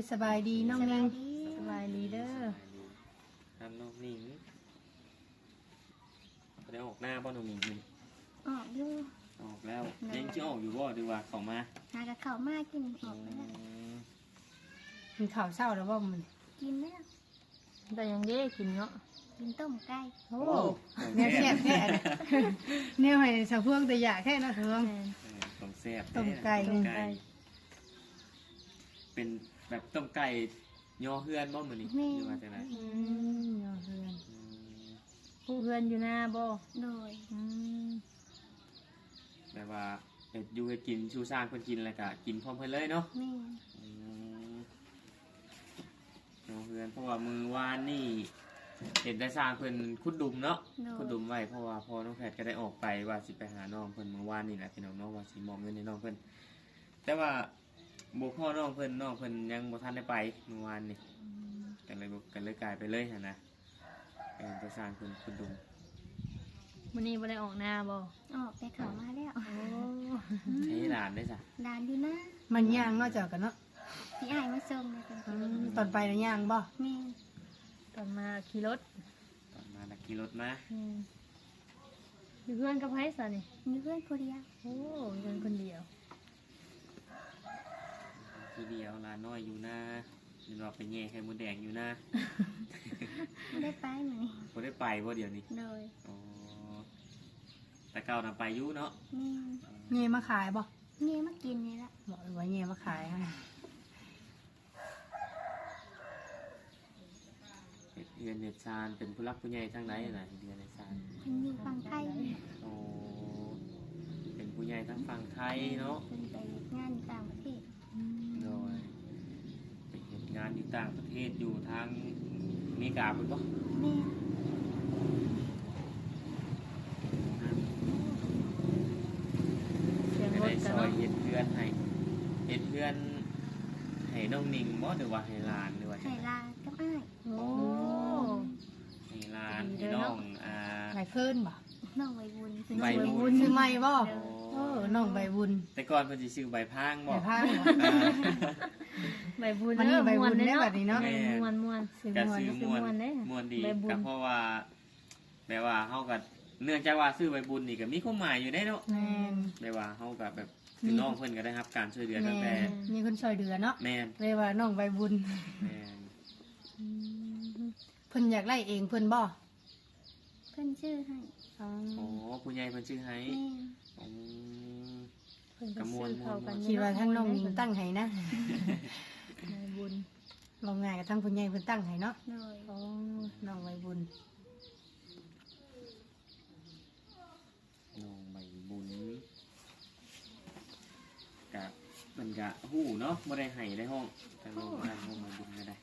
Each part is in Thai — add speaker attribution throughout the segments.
Speaker 1: สบายดีน้องนิ่งสบายดีเด้อ
Speaker 2: ทำน้องหนิงได้ออกหน้าบ่น้องหนิงมัน
Speaker 3: ออกอยู่
Speaker 2: ออกแล้วยังจะออกอยู่บ่ดีว่าเข้ามา
Speaker 3: หากับเขาวมากกินออกไปแล้ว
Speaker 1: กินข้าวเช้าแล้วบ่มัน
Speaker 3: กินแล้ว
Speaker 4: แต่ยังเด้กินเนาะ
Speaker 3: กินต้มไก่
Speaker 1: โอ้เนี่ยแซ่บแท้เลยเนี่ยให้สะพวงแต่อยากแค่นะเฮือง
Speaker 2: ต้มแซ่บ
Speaker 1: ต้มไก่
Speaker 2: เป็นแบบต้มไก่ย่อเฮือนบ่มื้อนี้หรือว่าจังได๋
Speaker 1: เอาเฮือน
Speaker 4: ผู้เพื่อนอยู่หน้าบ่
Speaker 3: โดย
Speaker 2: แบบว่าเฮ็ดอยู่เฮ็ดกินชูสร้างเพิ่นกินแล้วก็กินพร้อมเพิ่นเลยเนาะ
Speaker 3: แม่
Speaker 2: ย่อเฮือนเพราะว่ามื้อวานนี่เห็นได้สร้างเพิ่นขุดดุมเนาะขุดดุมไว้เพราะว่าพอน้องแพทย์ก็ได้ออกไปว่าสิไปหาน้องเพิ่นมื้อวานนี่แหละพี่น้องเนาะว่าสิมอบเงินให้น้องเพิ่นแต่ว่าบ่พอน้องเพิ่นยังบ่ทันได้ไปมื้อวานนี่ก็เลยกลายไปเลยหั่นนะเป็นไปสร้างเพิ่นขุดดุม
Speaker 4: มื้อนี้บ่ได้ออกหน้าบ่
Speaker 3: ออกไปเขามาแล้ว
Speaker 4: โอ้
Speaker 2: ให้หลานได้จ้ะ
Speaker 3: ดานอยู่นะ
Speaker 1: มันย่างเนาะเจ้ากันเนาะ
Speaker 3: พี่อ้ายมาส่งเลยเป็นกิน
Speaker 1: ตอนไปน่ะย่างบ่
Speaker 3: แม่
Speaker 4: ตอนมาขี่รถ
Speaker 2: ตอนมานักขี่รถมา
Speaker 4: อยู่เพื่อนกับไผซะนี่
Speaker 3: มีเพื่อนคนเดียว
Speaker 4: โอ้อยู่กันคนเดียว
Speaker 2: ทีเดียวหลานน้อยอยู่นะเดี๋ยวเราไปแย่ไข่มดแดงอยู่นะ
Speaker 3: ไม่ได้ไปเหมือนนี้
Speaker 2: บ่ได้ไปบ่เดี๋ยวนี้
Speaker 3: โดย
Speaker 2: อ๋อแต่เก่าน่ะไปอยู่เนาะ
Speaker 3: แม่
Speaker 1: เงี้ยมาขายบ่
Speaker 3: เงี้ยมากินนี่ละ
Speaker 1: บอกว่าเงี้ยมาขายให้
Speaker 2: เรียนเน็ตซานเป็นผู้รักผู้ใหญ่ทั้งไหนน่ะเรียนเน็ตซาน
Speaker 3: เพิ่นอยู่ฝั่งไทย
Speaker 2: โอ้เป็นผู้ใหญ่ทั้งฝั่งไทยเนาะ
Speaker 3: เพิ่นไปงานอยู่ต่างประเทศ
Speaker 2: โดยไปเห็นงานอยู่ต่างประเทศอยู่ทางอเมริกาพุ่นบ่
Speaker 3: แม่
Speaker 4: เสียง
Speaker 2: ไป
Speaker 4: ร
Speaker 2: ได้
Speaker 4: ถ
Speaker 2: ซ
Speaker 4: กัน
Speaker 2: อย
Speaker 4: เนาะ
Speaker 2: เฮ็ดเพื่อนให้น้องนิ่งบ่หรือว่าให้หลานหรือว่า
Speaker 3: ไข่ลากับอ้าย
Speaker 4: โอ้
Speaker 2: ให้หลานให้น้อง
Speaker 1: ไหลเพิ่นบ่
Speaker 3: น้องใบบุญ
Speaker 2: ใบบุญ
Speaker 1: ซื้อใหม่บ่
Speaker 3: เด้อ
Speaker 1: เออน้องใบบุญ
Speaker 2: แต่ก่อนเพิ่นสิชื่อใบพางบ่
Speaker 1: ใบพางบ่
Speaker 4: ใบบุญ
Speaker 1: วันนี้
Speaker 4: เด้อ
Speaker 1: ใบบุญ
Speaker 4: ม่ว
Speaker 1: ได้บัดนี้เนาะ
Speaker 4: แม่ม่วน
Speaker 1: ซื้อ
Speaker 2: ก็
Speaker 1: ม่วน
Speaker 2: ซื้อม่วน
Speaker 4: ม่วนเด้
Speaker 2: ม่วนดี
Speaker 4: ใบบุญ
Speaker 2: ก็เพราะว่าแบบว่าเฮาก็เนื่องจากว่าซื้อใบบุญนี่ก็มีความหมายอยู่ได้เนาะ
Speaker 1: แม่น
Speaker 2: แบบว่าเฮาก็แบบคือน้องเพิ่นก็ได้รับการช่วยเหลือตั้งแต่
Speaker 1: แม่นมีคนช่วยเหลือเนาะ
Speaker 2: แม่น
Speaker 1: เลยว่าน้องใบบุญ
Speaker 2: แม่น
Speaker 1: เพิ่นอยากไล่เองเพิ่นบ่
Speaker 3: เพิ่นชื่อให้
Speaker 1: อ๋อ
Speaker 2: โอ้ผู้ใหญ่เพิ่นชื่อให้
Speaker 3: แม่
Speaker 2: อืม
Speaker 4: เพิ่น
Speaker 2: ก
Speaker 4: ก็
Speaker 2: ระมว
Speaker 4: ซื้
Speaker 2: ล
Speaker 4: อเข้ากัน
Speaker 1: คิดว่าทั้งน้องนิงตั้งให้นะ
Speaker 4: ใบบุญ
Speaker 1: ลองง่ายกับทั้งผู้ใหญ่เพิ่นตั้งให้เนาะ
Speaker 3: โดย
Speaker 1: อ๋อน้องใบบุญ
Speaker 2: น้องใบบุญก็มันก็ฮู้เนาะบ่ได้ให้ได้ห้องแต่น้องมาห้องใบบุญก็ได้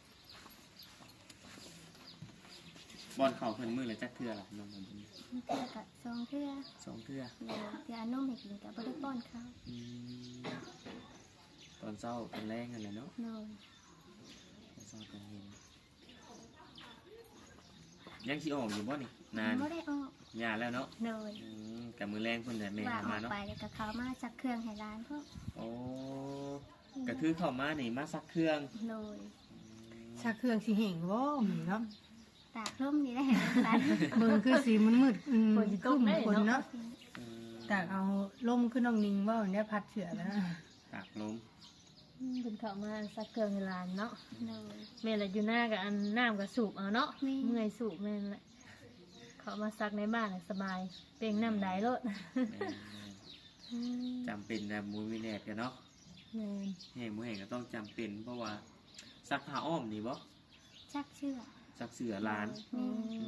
Speaker 2: บอนเข้าเพิ่นมื้อละจักเทื่อล่ะน้องใบบุญ
Speaker 3: เทื่อกับสองเทื่อ
Speaker 2: สองเทื่อ
Speaker 3: โดยเทื่ออนมให้กินกับบ่ได้ป้อนข้าว
Speaker 2: อืมตอนเช้าตอนแรงกันเลยเนาะ
Speaker 3: โดย
Speaker 2: ตอนเช้าตอนเย็นยังสิออกอยู่บ่นี่นาน
Speaker 3: บ่ได้ออก
Speaker 2: ยาแล้วเนาะ
Speaker 3: โดย
Speaker 2: กับมือแรงเพิ่นแต่แม่
Speaker 3: ว่า
Speaker 2: เข้า
Speaker 3: อ
Speaker 2: มา
Speaker 3: อก
Speaker 2: เนาะ
Speaker 3: ไปแล้วก็เขามาสักเครื่องให้ร้านพวก
Speaker 2: โอ้ก็คือเข้ามานี่มาซักเครื่อง
Speaker 3: โดย
Speaker 1: ชักเครื่องสิเห่งบ่หมีเนาะ
Speaker 3: ตากร่มนี่ได้เห็นร้าน
Speaker 1: เบิ่งคือสีมันมืดครึ้มคนเนาะ
Speaker 2: อืม
Speaker 1: ตากเอาลมขึ้นน้องนิงบ่เนี่ยพัดเสือแล้ว
Speaker 2: ตากลม
Speaker 4: เพิ่นเข้ามาซักเครื่องให้หลานเนาะ
Speaker 3: โดย
Speaker 4: แม่ละอยู่หน้ากับอันน้ำกับสูบเอาเนาะ
Speaker 3: แม่
Speaker 4: เมื่อยสูบแม่นแหละเขามาซักในบ้านน่ะสบายเปล่งน้ำได้รถ
Speaker 2: แม่จำเป็นนะมูวิแนตกันเนาะ
Speaker 4: แม่น
Speaker 2: แห่งมูแห่งก็ต้องจำเป็นเพราะว่าซักผ้าอ้อมนี่บ่
Speaker 3: ชักเชือก
Speaker 2: ซักเสื้อลาน
Speaker 3: แม่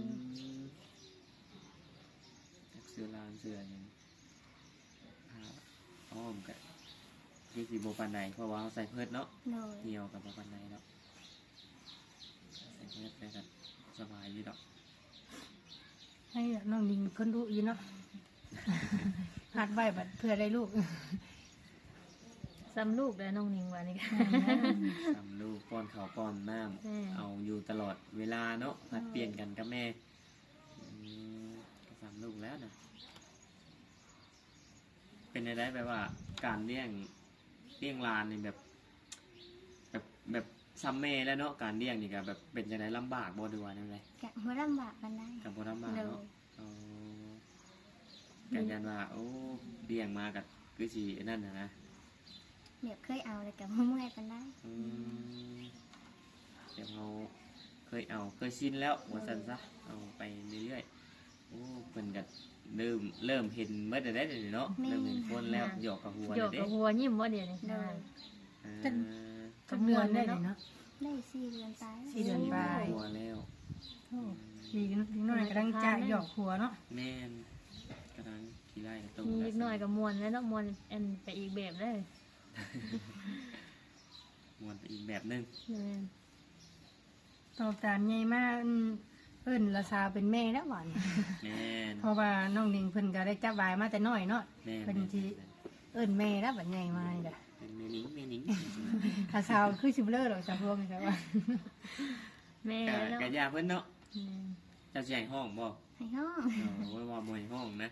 Speaker 2: ซักเสื้อลานเสื้อหยังผ้าอ้อมกันที่สีโบปันไดเพราะว่าเขาใส่เพิดเนาะ
Speaker 3: โดย
Speaker 2: เหนียวกับโบปันไดเนาะใส่เพิดได้กันสบายดีดอก
Speaker 1: ให้น้องนิงคนรู้อีเนาะหัดไว้บัดเพื่อได้ลูก
Speaker 4: ซ้ำลูกแล้วน้องนิงว่านี่ก็
Speaker 2: ทำลูกป้อนข้าวป้อนน้
Speaker 4: แม่
Speaker 2: ำเอาอยู่ตลอดเวลาเนาะผัดเปลี่ยนกันกับแม่ก็ทำลูกแล้วนะเป็นอะไรแบบว่าการเลี้ยงหลานนี่แบบซัมเมแล้วเนาะการเลี้ยงนี่ก็แบบเป็นจังได๋ลำบากบ่ด้วยว่าจังได๋
Speaker 3: กะบ่ลำบากปานใด
Speaker 2: ก็บ่ลำบาก
Speaker 3: โดย
Speaker 2: เนาะอ๋อกันยันว่าโอ้เลี้ยงมาก็คือสินั่นน่ะนะ
Speaker 3: แบบเคยเอาเลยกะบ่เมื่อยปานใด
Speaker 2: อืมเดี๋ยวเราเคยชินแล้วว่าซั่นซะเอาไปเรื่อยๆโอ้เพิ่นก็เริ่มเห็นเมื่อได้เนาะเริ่มเห็นคนแล้วหยอกกับหัว
Speaker 4: หย
Speaker 2: แล้
Speaker 4: อ
Speaker 2: ว
Speaker 4: ก
Speaker 2: เด้
Speaker 4: กับหัวยิ้มว่าเดี๋ยวนี้
Speaker 3: โดย
Speaker 2: อ่า
Speaker 1: จักเดือนได้เลยเนาะ
Speaker 3: ได้4 เดือนไป
Speaker 1: 4 เดือนไป
Speaker 2: หัวแล้ว
Speaker 1: โอ้ดีน้อยกำลังจะหยอกหัวเนาะ
Speaker 2: แม่นกำลังขี้ไล่กับตุ้
Speaker 4: มีเล็กน้อยกับมวนแล้วเนาะมวนอันไปอีกแบบเลย
Speaker 2: มวนไปอีกแบบหนึง
Speaker 4: แม่น
Speaker 1: ตอบตามใหญ่มากเอิ้นละสาวเป็นแม่แล้วหวาน
Speaker 2: แม่น
Speaker 1: เพราะว่าน้องนิงเพิ่นก็ได้จับวายมาแต่น้อยเนาะ
Speaker 2: แม่น
Speaker 1: เพิ่นสิเอิ้นแม่แล้วบัดใหญ่มานี่ล่ะ
Speaker 2: เป็นแม่นิ้ง
Speaker 1: ถ้าสาวคือสิบ่เลิกหรอกสาวพวกนี่ครับว่า
Speaker 4: แม่
Speaker 2: กะ
Speaker 4: เนาะ
Speaker 2: กะยาเพิ่นเนาะ
Speaker 4: แม่น
Speaker 2: เจ้าสิให้ห้องบ่
Speaker 3: ให้ห้อง
Speaker 2: โอ้ยว่าบ่ให้ห้องนะ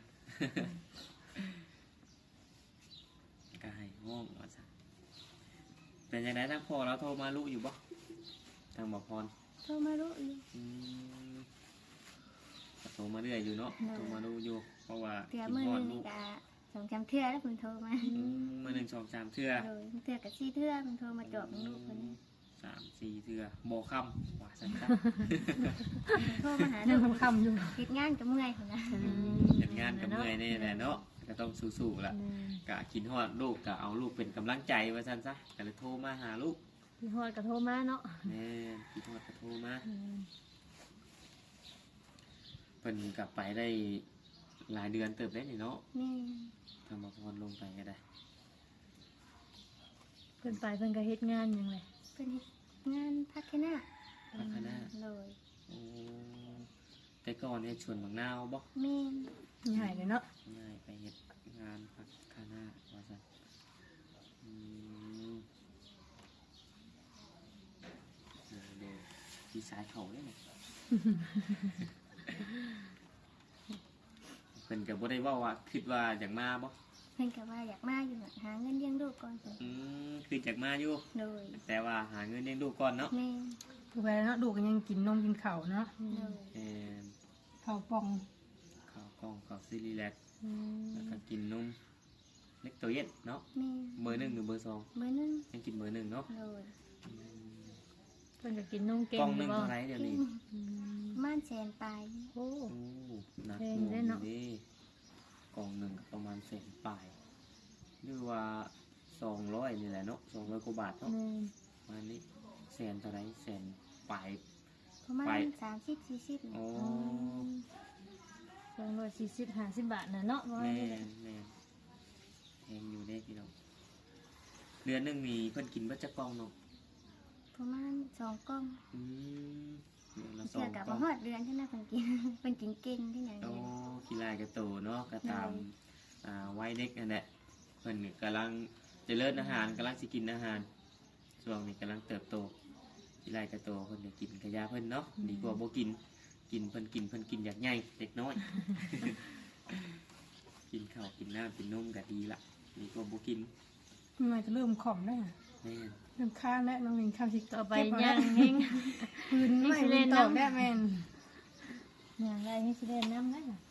Speaker 2: ก็ให้ห้องว่าซะเป็นจังไดทางพ่อเราโทรมาลูกอยู่บ่ทางบ่พร
Speaker 3: โทรมารู้อยู่
Speaker 2: อืมก็โทรมาเรื่อยอยู่เนาะ
Speaker 3: เออ
Speaker 2: โทรมาดูอยู่ เพราะว่า
Speaker 3: เทื่อ
Speaker 2: กิน
Speaker 3: มื้อ
Speaker 2: ฮอ
Speaker 3: ห
Speaker 2: ด
Speaker 3: นึง
Speaker 2: ลู
Speaker 3: นี่
Speaker 2: ก
Speaker 3: กะ2-3เทื่อแล้วเพิ่นโทรมา
Speaker 2: มื้อหนึ่งสองสามเทื่อ
Speaker 3: โดยเทื่อก็4เทื่อเพิ่นโทรมาจอบลูกเพิ่น
Speaker 2: สามสี่เทื่อบ่ค่ำว่าซั่นซะ
Speaker 3: โทรมาหา
Speaker 1: เรื่
Speaker 3: ลู
Speaker 1: อง
Speaker 3: ก
Speaker 1: คำๆอยู่
Speaker 3: เฮ็ดงานก็เมื่อยพุ่นนะ
Speaker 2: เฮ็ดงานกับเมื่อยนี่แหละเนาะก็ต้องสู้ๆล่ะ
Speaker 4: แม่น
Speaker 2: กะกินฮอดลูกกะเอาลูกเป็นกำลังใจว่าซั่นซะก็เลยโทรมาหาลูก
Speaker 4: พี่ฮอดก็โทรมาเนาะ
Speaker 2: แม่กินฮอดก็โทรมา
Speaker 4: แม่น
Speaker 2: เพิ่นกลับไปได้หลายเดือนเติบได้นี่เนาะ
Speaker 3: แม่
Speaker 2: ทำมาพรลงไปก็ได้
Speaker 4: เพิ่นไปเพิ่นก็เฮ็ดงานหยังเลย
Speaker 3: เพิ่นเฮ็ดงานพัฒนา
Speaker 2: พัฒนา
Speaker 3: เลย
Speaker 2: โอ้แต่ก่อนเฮ็ดชวนบางนาวบ่
Speaker 3: แม่น
Speaker 1: ใหญ่เลยเนาะ
Speaker 2: ง่ายไปเฮ็ดงานพัฒนาว่าซั่นอืมเดี๋ยวที่สายเขาเด้เนี่ย เพิ่นก็บ่ได้เว้าว่าคิดว่าอยากมาบ่
Speaker 3: เพิ่นก็ว่าอยากมาอยู่น่ะหาเงินเลี้ยงลูกก่อนเพิ่น
Speaker 2: คืออยากมาอยู่
Speaker 3: เลย
Speaker 2: แต่ว่าหาเงินเลี้ยงลูกก่อนเนาะ
Speaker 3: แม่น
Speaker 1: ถูกไปเนาะดูกก็ยังกินนมกินข้าวเนาะ
Speaker 3: เลย
Speaker 2: เอ่อ
Speaker 1: ข้าวป่อง
Speaker 2: ข้าวกล้องข้าวซีรีแลก
Speaker 4: อืม
Speaker 2: แล้วก็กินนมเล็กตัวเย็นเนาะ
Speaker 3: แม่น
Speaker 2: เบอร์หนึ่งหรือเบอร์สอง
Speaker 3: เบอร์หนึง
Speaker 2: ยังกินเบอร์หนึ่งเนาะ
Speaker 3: เลย
Speaker 4: เพิ่นก็กินนมเก่
Speaker 2: ก
Speaker 4: ง
Speaker 2: ล้องห
Speaker 4: อ
Speaker 2: นึ่
Speaker 4: ยู่
Speaker 2: ง
Speaker 4: บ่
Speaker 2: เท่าไหรเดี๋ยวนี้
Speaker 4: อืม
Speaker 3: ม่านแสนปลาย
Speaker 4: โอ้
Speaker 2: โอ้หนัก
Speaker 4: แพ
Speaker 2: ห
Speaker 4: ง
Speaker 2: น่ว
Speaker 4: เด้
Speaker 2: ง
Speaker 4: เนาะ
Speaker 2: ดีกล่องหนึ่งประมาณแสนปลายหรือว่า200นี่แหละเนาะ200กว่าบาทเนาะ
Speaker 4: แม่น
Speaker 2: ประมาณนี้แสนเท่าไหรแสนปลาย
Speaker 3: ประมาณ
Speaker 2: ไป
Speaker 3: 30-40
Speaker 2: โอ้
Speaker 4: 240-50 บาทน่ะเนาะบ่
Speaker 2: แม่
Speaker 4: นี่แหละ
Speaker 2: แม่แพงอยู่เด้พี่น้องเดือนหนึ่งมีเพิ่นกินเบัตรกล่องเนาะ
Speaker 3: ประมาณ2กล่อง
Speaker 2: อืมเดือนละสอ
Speaker 3: เทื่อง ก็
Speaker 2: กล่
Speaker 3: บ่
Speaker 2: อง
Speaker 3: ฮอดเดือนเท่านั้นเพิ่นกิน เพิ่นกินเก่งที่หยัง
Speaker 2: โอ้
Speaker 3: เนี่ย
Speaker 2: กีฬากระโตเนาะก็ตาม
Speaker 3: ใช่
Speaker 2: วัยเด็กนั่นแหละเพิ่นนี่กำลังเจริญอาหารกำลังสิกินอาหารช่วงนี้กำลังเติบโตกีฬากระโตเพิ่นได้กินกระยาเพิ่นเนาะดีกว่าบ่กินเพิ่นกินอยากใหญ่เด็กน้อย กินข้าวกินน้ำกินนมก็ดีละดีกว่าบ่กิน
Speaker 1: มันจะเริ่มข่อมได้ว
Speaker 2: แม่น
Speaker 1: เริ่มค้างแล้วน้องนิงข้าวสิ
Speaker 4: ต่อไป
Speaker 1: เก็บ
Speaker 4: ย่า
Speaker 1: เอา
Speaker 4: ง
Speaker 1: แล้ว
Speaker 4: เฮง
Speaker 1: ปืนไม่
Speaker 4: ให้สิเล่
Speaker 1: มี
Speaker 4: น
Speaker 1: ตอก
Speaker 4: น้ำ
Speaker 1: ได้แม่น
Speaker 4: ย่างไรให้สิเล่นน้ำได้น่ะ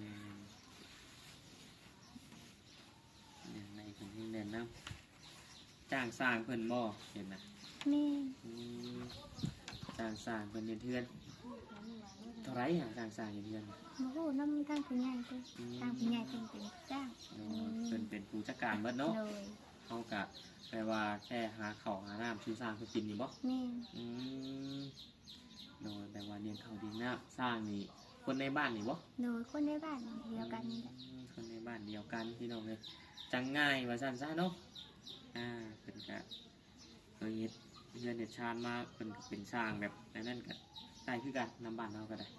Speaker 2: เนี่ยในเพิ่นให้แนะนำจ้างสร้างเพิ่นบ่เห็นนะ
Speaker 3: แม่น
Speaker 2: อืมจ้างสร้างเพิ่นเฮ็ดเทือนเท่าไหรอ่ะจ้างสร้างเฮ็ดเทือน
Speaker 3: บ่ฮู้นำทางผู้ใหญ่เด้อทางผู้ใหญ่เพิ่นเป็นจ้าง
Speaker 2: เพิ่นเป็นผู้จัดการเบิดเนาะ
Speaker 3: เลย
Speaker 2: เขากะแปลว่าแค่หาข้าวหาน้ำซื้อสร้างเพื่อกินนี่บ่
Speaker 3: แม่น
Speaker 2: อืมโดยแปลว่าเลี้ยงข้าวเลี้ยงน้ำสร้างนี่คนในบ้านนี่บ่
Speaker 3: โดยคนในบ้านเดียวกันนี่แหละ
Speaker 2: คนในบ้านเดียวกันพี่น้องเลยจังง่ายว่าซั่นซะเนาะเพิ่นกะเคยเฮ็ดเรือนเฮ็ดชานมาเพิ่นก็เป็นสร้างแบบนั้นก็ได้คือกันนำบ้านเราก็ได้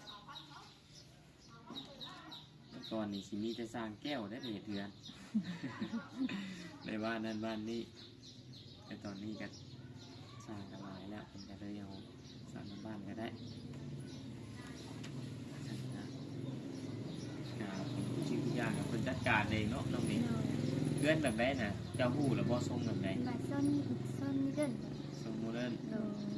Speaker 2: แต่ก่อนนี่สิมีแต่สร้างแก้วได้ไปเฮ็ดเรือน ในบ้านนั้นบ้านนี้แต่ตอนนี้ก็สร้างกันหลายแล้วเป็นก็เลยเอาสร้างบ้านก็ได้ชื่อทุกอย่างกับคนจัดการเองเนาะน้องนี่
Speaker 3: โดย
Speaker 2: เพื่อนแบบไหนน่ะเจ้าหู้หรือบ่ทรงแบบไหน
Speaker 3: บัดส้นนี่เดิน
Speaker 2: ทรงโมเดิร์น
Speaker 3: โดย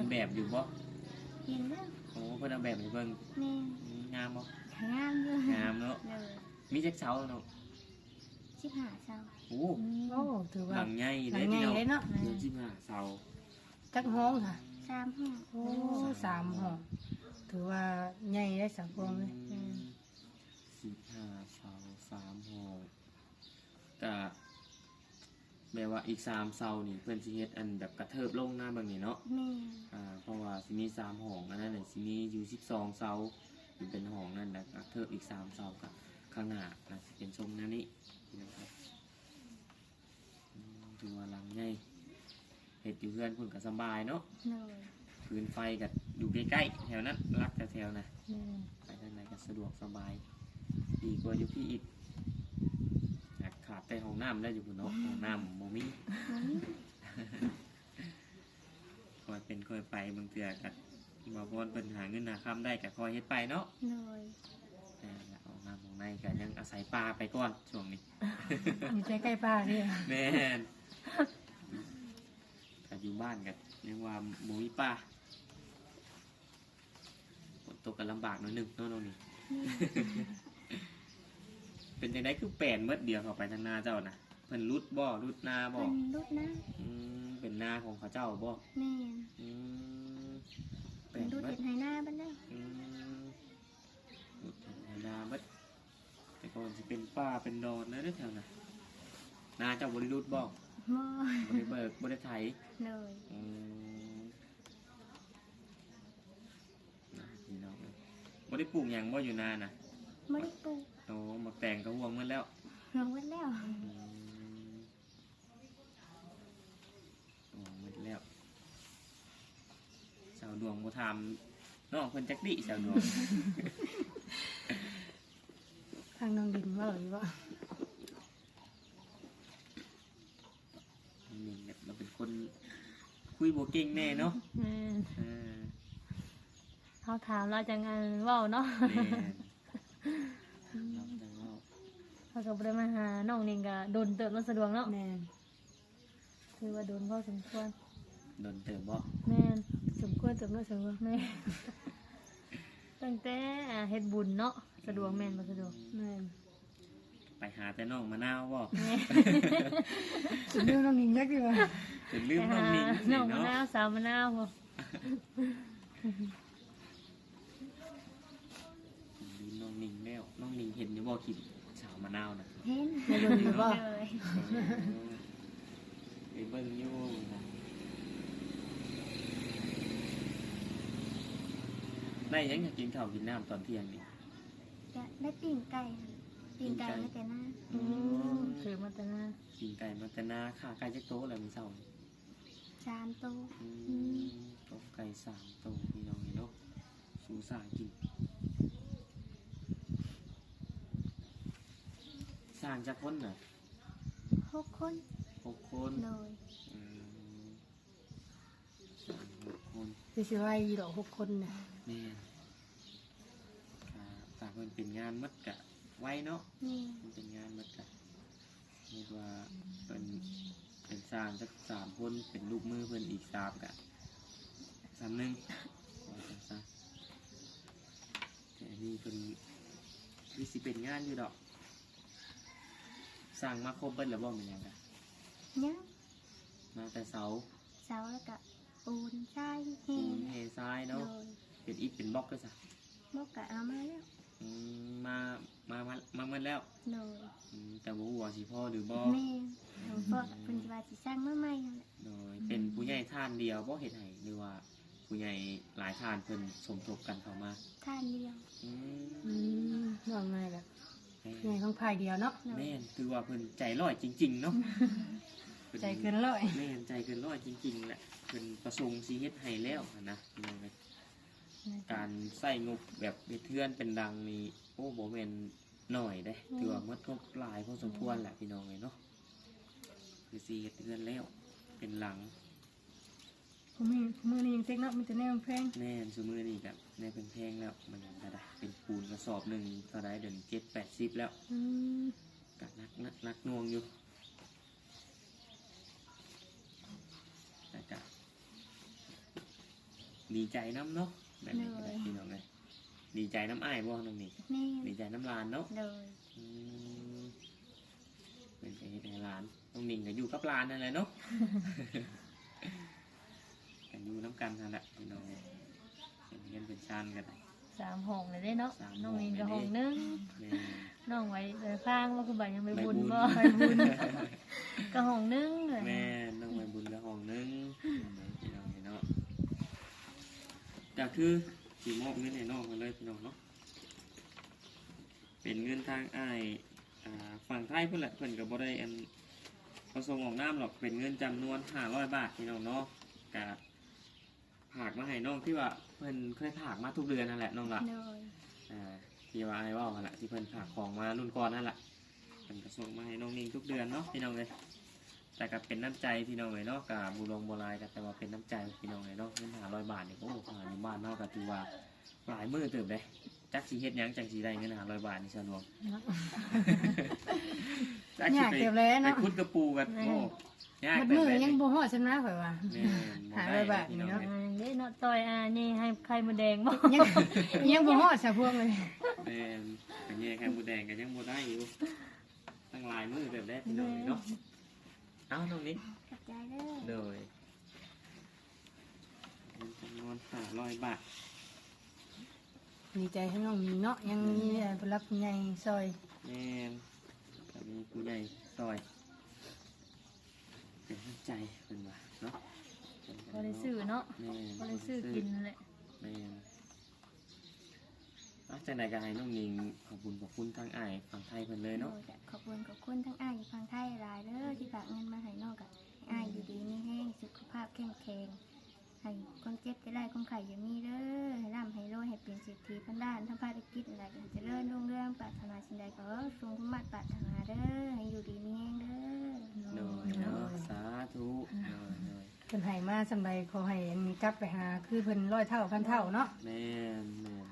Speaker 2: แบบอยู่บ่
Speaker 3: เห็นแล้ว
Speaker 2: โอ้เพิ่นเอาแบบให้เบิ่ง
Speaker 3: แม่
Speaker 2: งามบ่
Speaker 3: งามเลย
Speaker 2: งามเนาะ
Speaker 3: เลย
Speaker 2: มีจักเสาเนาะ
Speaker 3: 15เสา
Speaker 2: โอ้
Speaker 1: โอ้ถือ
Speaker 2: ห
Speaker 1: ว่า
Speaker 2: ลังใหญ่
Speaker 1: หลั
Speaker 2: เด้
Speaker 1: งใหญ่
Speaker 2: พี่น้อง
Speaker 1: เลยเนาะ
Speaker 2: เดือน15เสา
Speaker 1: จักห้องค่ะ
Speaker 3: 3ห้อง
Speaker 1: โอ้3ห้องถือว่าใหญ่ได้สังคมเลย
Speaker 2: 15เสา3ห้องก็แปลว่าอีก3เสานี่เพิ่นสิเฮ็ดอันแบบกระเทิบลงหน้าเบิ่งนี่เนาะ
Speaker 3: แม่
Speaker 2: เพราะว่าสิมี3ห้องอันนั้นน่ะสิมีอยู่12เสาอยู่เป็นห้องนั่นแหละกระเทิบอีก3เสากับข้างหน้าน่ะสิเป็นทรงแนวนี้นะครับถือว่าหลังใหญ่เฮ็ดอยู่เพื่อนเพิ่นก็สำบายเนาะ
Speaker 3: เลย
Speaker 2: พื้นไฟก็อยู่ใกล้ๆแถวนั้นรักแถวๆนะ
Speaker 4: แม่น
Speaker 2: ไปทางไหนก็สะดวกสบาย ดีกว่าอยู่พี่อีกอยากขาดแต่ห้องน้ำได้อยู่บนเนาะห้องน้ำโมมี่
Speaker 3: บ่มี
Speaker 2: คอยเป็นคอยไปบางเทื่อกับ่พรเพิ่นหาเงินหาคำได้ก็คอยเฮ็ดไปเนาะ
Speaker 3: เลย
Speaker 2: แต่ห้องน้ำของในก็ยังอาศัยปลาไปก่อนช่วงนี้
Speaker 1: อยู่ใกล้ๆป้าเนี่ย
Speaker 2: แม่นก็อยู่บ้านกันยังว่าหมูมีปลาฝนตกกันลำบากหน่อยหนึงเนาะน้องนี่ เป็นจังไดคือแปลนเมื่อเดียวเข้าไปทางนาเจ้านะเพิ่นรุดบ่รุดนาบ่
Speaker 3: เป็นลูกนะ
Speaker 2: เป็นนาของเขาเจ้าบ่
Speaker 3: แม่
Speaker 2: อืมแปล
Speaker 3: เป็น
Speaker 2: น
Speaker 3: ลูก
Speaker 2: เมื่อ
Speaker 3: เห็ดไหหน้าบ้านได้
Speaker 2: อืมรุดนาเมื่อแต่ก่อนสิเป็นป่าเป็นดอนนะเด้อแถวน่ะนาเจ้าบ่ได้รุดบ่
Speaker 3: บ่
Speaker 2: บ่ได้เบิกบ่ได้ไถ
Speaker 3: เลย
Speaker 2: อืมพี่น้องเอ้ยบ่ได้ปลูกหยังบ่อยู่นาน่ะ
Speaker 3: บ่ได้ปลูก
Speaker 2: โอ้หมักแตงก็ห่วงหมันแล้ว
Speaker 3: ลงไว้แล้ว
Speaker 2: ห่วงหมดแล้วสาวดวงบ่ทำน้องเพิ่นจักดิสาวดวง
Speaker 1: ทางน้องดินว่าหรือว่า
Speaker 2: นี่แบบเราเป็นคนคุยบ่เก่งแน่เนาะ
Speaker 4: แม่น
Speaker 2: อ่า
Speaker 4: เขาถามเราจังอันเว้าเนาะ
Speaker 2: แม่นเราจังเว้า
Speaker 4: เขาก็บ่ได้มาหาน้องนี่ก็โดนเติบรถสะดวกเนาะ
Speaker 1: แม่น
Speaker 4: คือว่าโดนพอสมควร
Speaker 2: โดนเติมบ่
Speaker 4: แม่น
Speaker 1: สมควรสมควรสมควร
Speaker 4: แม่นตั้งแต่เฮ็ดบุญเนาะสะดวกแม่นบ่สะดวก
Speaker 1: แม่น
Speaker 2: ไปหาแต่น้องมะนาวบ่
Speaker 4: แม่น
Speaker 1: สุดเรื่องน้องดินยักษ์ดีกว่า
Speaker 2: จนลืม
Speaker 4: ไป
Speaker 2: น้อง
Speaker 4: หา
Speaker 2: นิ้ง
Speaker 4: น้
Speaker 2: สิ
Speaker 4: องมะ
Speaker 2: เนาะ
Speaker 4: นาวสาวมะนาวบ่
Speaker 2: ลืมน้องนิ้งแล้วน้องนิ้งเห็นอยู่บ่คลิปสาวมะนาวน่ะ
Speaker 3: เห็น
Speaker 1: ในดนอยู่บ่
Speaker 3: เลย
Speaker 2: ไปเบิ่งอยู่นะได้ยังอยากกินข้าวกินน้ำตอนเที่ยงนี่
Speaker 3: จะได้ปิ้งไก่ค่ะปิ้งไก่ไม่แต่หน้า
Speaker 4: อืมถือมาแต่หน้า
Speaker 2: กินไก่มาแต่นาค่าไก่จักโตะแล้วมื้อเช้านี่
Speaker 3: 3ตัว
Speaker 2: ต้มไก่3โตะพี่น้องนี่เนาะสู้ซ่ากินสร้างจักคนน่ะ
Speaker 3: 6 คน
Speaker 2: 6 คน
Speaker 3: เลย
Speaker 2: อืมสร้าง6 คน
Speaker 1: คือสิว่าอีดอก6 คนน่ะ
Speaker 2: แม่นถ้าเพิ่นเป็นงานหมดกะไว้เนาะ
Speaker 3: นี่
Speaker 2: มันเป็นงานหมดกะเรียกว่าเป็นสร้างสัก3 คนเป็นลูกมือเพิ่นอีก3กะ3 นึงว่าจังซั่นแต่อันนี้เพิ่นคือสิเป็นงานอยู่ดอกสร้างมาครบเบิดแล้วบ่แม่นหยังกะ
Speaker 3: ยัง
Speaker 2: มาแต่เสา
Speaker 3: เสาแล้วก็ปูนทรายเฮ
Speaker 2: ปูน
Speaker 3: น
Speaker 2: เททราย
Speaker 3: เล
Speaker 2: เนาะ
Speaker 3: ย
Speaker 2: เป็นอิฐเป็นบล็อกก็ซะ
Speaker 3: มกกะเอามาแล้ว
Speaker 2: อืมมาหมดแล้ว
Speaker 3: เลย
Speaker 2: แต่บ่ฮู้ว่าสิพ่อหรือบ่
Speaker 3: แม่หลวงพ่อเพิ่นสิว่าสิสร้างมาใหม่นั่นแหละ
Speaker 2: โดยเป็นผู้ใหญ่ท่านเดียวบ่เฮ็ดให้หรือว่าผู้ใหญ่หลายท่านเพิ่นสมทบกันเข้ามา
Speaker 3: ท่านเดียว
Speaker 2: อื
Speaker 1: อื
Speaker 2: ม
Speaker 1: มว่าไงล่ะ
Speaker 2: แม่
Speaker 1: ใหญ่ของพายเดียวเนาะ
Speaker 2: แม่นคือว่าเพิ่นใจร้อยจริงๆเนาะพิ่
Speaker 1: ใจเกินร้อย
Speaker 2: แม่นใจเกินร้อยจริงๆแหละเพิ่นประสงค์สิเฮ็ดให้แล้วนะพี่น้องเอ้ยการใช้งบแบบเฮ็ดเทือนเป็นดังนี่โอ้บ่แม่นน้อยเด้ถือว่าหมดงบหลายพอสมควรแหละพี่น้องเอ้ยเนาะคือสิเฮ็ดเทือนแล้วเป็นหลัง
Speaker 1: ผมมีมือนี้ยังเซ็กเนาะมันจะแน่แพง
Speaker 2: แม่นซุมื้อนี้ก็ในเป็นแพงแล้วมันยังก็ได้เป็นปูนกระสอบหนึงเท่าใดเดี๋ยวนี้7-80แล้ว
Speaker 1: อืม
Speaker 2: ก็นักหน่วงอยู่แต่ก็ดีใจน้ำเนาะแบบนี้ก็ได้พี่น้องเลยดีใจน้ำอ้ายบ่น้องนี่
Speaker 3: แม่
Speaker 2: ดีใจน้ำลานเนาะ
Speaker 3: โดย
Speaker 2: อืมเป็นไปให้หลานน้องนิ่งก็อยู่กับหลานนั่นแหละเนาะ กันอยู่น้ำกันนั่นแหละพี่น้องเป็นเงินเป็นชานกัน
Speaker 4: 3ห้องเลยเด้เนาะ
Speaker 2: 3
Speaker 4: น้องนินก็ห้องหนึง
Speaker 2: แม่
Speaker 4: น้องไว้ข้างว่าคือบ่ายังไปบุญบ่
Speaker 2: ไป
Speaker 4: ไปบุญก็ห้องหนึงเลย
Speaker 2: แม่น้องไปบุญกับห้องนึงพี่น้องเนาะก็คือสีมอบเงินให้น้องกันเลยพี่น้องเนาะเป็นเงินทางอ้ายฝั่งไทยเพิ่นแหละเพิ่นก็บ่ได้อันประสงค์ออกน้ำหรอกเป็นเงินจำนวน500 บาทพี่น้องเนาะก็ผากมาให้น้องที่ว่าเพิ่นเคยผากมาทุกเดือนนั่นแหละน้องละ
Speaker 3: โดย
Speaker 2: ที่ว่าไอ้ว่านั่นแหละที่เพิ่นผากของมารุ่นก่อนนั่นแหละเพิ่นก็ส่งมาให้น้องนิ่งทุกเดือนเนาะพี่น้องเลยแต่ก็เป็นน้ำใจพี่น้องเลยเนาะกับบุรงโบราณก็แต่ว่าเป็นน้ำใจพี่น้องเลยเนาะเงิน500 บาทนี่โอ้โหหาอยู่บ้านเนาะก็ถือว่าหลายมื้อเติบเลยจักสิเฮ็ดหยังจักสิได้เงิน500 บาทนี่ซะหลวง จัก
Speaker 1: อ
Speaker 2: สิ
Speaker 1: ยาก
Speaker 2: ไป
Speaker 1: เก็บเลย
Speaker 2: ไป
Speaker 1: เนาะ
Speaker 2: ขุดกระปูกันโอ้ยาก
Speaker 1: มัด
Speaker 2: เติ
Speaker 1: มื
Speaker 2: บ
Speaker 1: อ
Speaker 2: เลย
Speaker 1: ยังบ่ฮอดซำนะข่อยว่า
Speaker 2: แม่น
Speaker 1: 500 บาท
Speaker 2: พี่น้อง
Speaker 1: เนาะ
Speaker 2: เอ้ย
Speaker 4: เด้เนาะต่อยนี่ให้ไข่มดแดงบ่
Speaker 1: ยังบ่ฮอดซะพวกเลย
Speaker 2: แม่นอันนี้แค่บูแดงก็ยังบูได้อยู่ตั้งหลายมือเติบได้พี่น้องเนาะเอ้าตรงนี้
Speaker 3: ขอบใจเด้อ
Speaker 2: โดยเงินจำนวน500 บาท
Speaker 1: ดีใจให้น้องมีเนาะยังมีผู้รักผู้ใหญ่ซอย
Speaker 2: แม่นก็มีผู้ใหญ่ซอย เป็นน้ำใจเป็นว่าเนาะ
Speaker 4: บ่ได้ซื้อเนาะ
Speaker 2: แม่น
Speaker 4: บ่ได้ซื้อกินนั่นแหละ
Speaker 2: แม่นจากไหนก็ให้น้องนิงขอบคุณทางอ้ายฝั่งไทยเพิ่นเลย
Speaker 3: โด
Speaker 2: เนาะ
Speaker 3: ยจะขอบคุณทั้งอ้ายอยู่ฝั่งไทยหลายเด้อที่ฝากเงินมาให้น้องกับอ้ายอยู่ดีมีแห้งสุขภาพเข้มแข็งให้คนเจ็บจะได้คนไข้อย่ามีเด้อให้ร่ำให้รวยให้เป็นเศรษฐีพันด้านทั้งภารกิจอะไรอย่างเจริญรุ่งเรืองปรารถนาสิ่งใดก็ทรงสมบัติปรารถนาเด้อให้อยู่ดีมีแห้งเด้อ
Speaker 2: โดยเนาะสาธุโดย
Speaker 1: เพิ่นให้มาสำใดขอให้อันนี้กลับไปหาคือเพิ่น100 เท่าพันเท่าเนาะ
Speaker 2: แม่น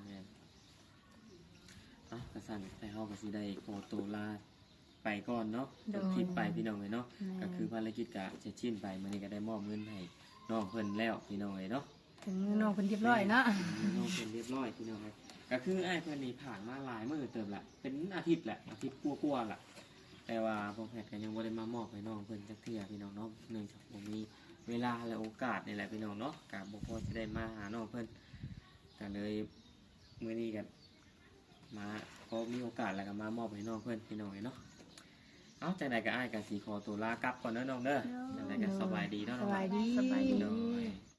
Speaker 2: กระสันไปเฮาก็สิได้โอโตลาไปก่อนเนาะจบคลิปไปพี่น้องเลยเนาะก็คือภารกิจก็จะชิ้นไปมื้อนี้ก็ได้มอบเงินให้น้องเพิ่นแล้วพี่น้องเลยเนาะ
Speaker 1: ถึงน้องเพิ่นเรียบร้อยเนาะ
Speaker 2: น้องเพิ่นเรียบร้อยพี่น้องเลยก็คืออ้ายเพิ่นนี่ผ่านมาหลายมื้อเติบละเป็นอาทิตย์แหละอาทิตย์กว่าๆละแต่ว่าพ่อแพทย์ก็ยังบ่ได้มามอบให้น้องเพิ่นจักเทื่อพี่น้องเนาะเนื่องจากบ่มีเวลาและโอกาสนี่แหละพี่น้องเนาะก็บ่พอสิได้มาหาน้องเพิ่นก็เลยมื้อนี้ก็มาพอมีโอกาสแล้วก็มามอบให้น้องเพิ่นพี่น้องเนาะเอาจังได๋ก็อ้ายก็สิขอตัวลากลับก่อนเด้อน้องเด้อจังได๋ก็สบายดีเนาะ
Speaker 1: ส
Speaker 2: น้อง
Speaker 1: บายดี
Speaker 4: สบายดี
Speaker 2: โดย